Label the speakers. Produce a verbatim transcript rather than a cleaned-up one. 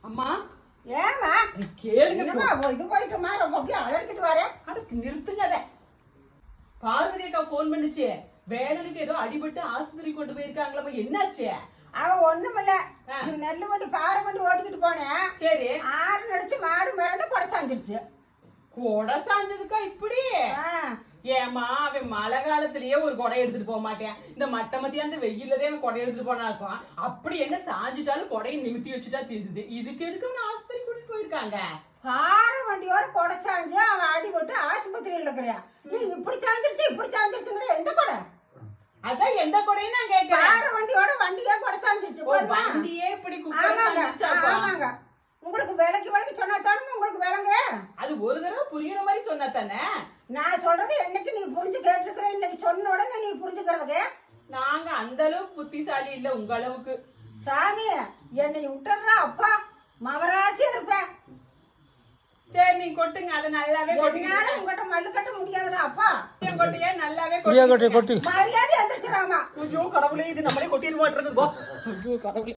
Speaker 1: அம்மா
Speaker 2: ஏமா
Speaker 1: கேளுங்க,
Speaker 2: இது போயிட்டுமா ரொம்ப அப்படியே அலறிக்கிட்டு வர.
Speaker 1: அதுக்கு நிறுத்துங்க. அத பார்வதி அக்கா போன் பண்ணுச்சு, வேலனுக்கு ஏதோ அடிபட்டு ஆஸ்பத்திரி கொண்டு போயிருக்காங்களா, என்னாச்சு?
Speaker 2: அவன் ஒண்ணுமில்ல, நெல்லு வண்டி பாறை வண்டி ஓட்டிக்கிட்டு போனேன்.
Speaker 1: சரி,
Speaker 2: ஆறு நடிச்சு மாடு மிரண்டு கொடை சாஞ்சிருச்சு.
Speaker 1: கொடை சாஞ்சதுக்கா இப்படி? ஏமா அவன் மழை காலத்திலேயே ஒரு கொடை எடுத்துட்டு போக மாட்டேன், இந்த மட்ட மத்தியா அந்த வெயிலதே அவன் கொடை எடுத்துட்டு போனா இருக்கும். அப்படி என்ன சாஞ்சிட்டாலும் கொடையை நிமித்தி வச்சுட்டா தெரியுது. இதுக்கு எதுக்கு அவன் ஆஸ்பத்திரி கூட்டிட்டு போயிருக்காங்க?
Speaker 2: பாறை வண்டியோட கொடை சாஞ்சு அவன் அடிபட்டு ஆஸ்பத்திரியில் இருக்கிறியா? நீ இப்படி சாஞ்சிருச்சு இப்படி சாஞ்சிருச்சுங்கிற எந்த கொடை?
Speaker 1: அதான் எந்த கொடையும் நான் கேட்கிறேன்.
Speaker 2: பாறை வண்டியோட வண்டியே கொடை சாஞ்சிருச்சு.
Speaker 1: வண்டியே இப்படி
Speaker 2: ஆமாங்க, உங்களுக்கு விலைக்கு விலைக்கு சொன்னா தானுங்க உங்களுக்கு விலங்கு.
Speaker 1: அது ஒரு தடவை புரியுற மாதிரி சொன்னா தானே.
Speaker 2: நான் சொல்றது என்னைக்கு நீ புரிஞ்சு கேட்டுருக்கிற, இன்னைக்கு சொன்ன உடனே நீ புரிஞ்சுக்கிறவங்க.
Speaker 1: நாங்க அந்த அளவுக்கு புத்திசாலி இல்ல உங்க அளவுக்கு.
Speaker 2: சாமி என்னை விட்டுறா அப்பா, மவராசியா இருப்பேன்.
Speaker 1: சரி நீ கொட்டுங்க, அதை நல்லாவே
Speaker 2: என்னால உங்ககிட்ட மல்லு கட்ட முடியாதுடா அப்பா.
Speaker 1: கொட்டையே நல்லாவே
Speaker 3: கொட்டு.
Speaker 2: மரியாதை எந்திரிச்சிடாமா.
Speaker 1: ஐயோ கடவுளே, இது நம்மளே கொட்டிடு மாட்டிருக்கு. ஐயோ கடவுளே.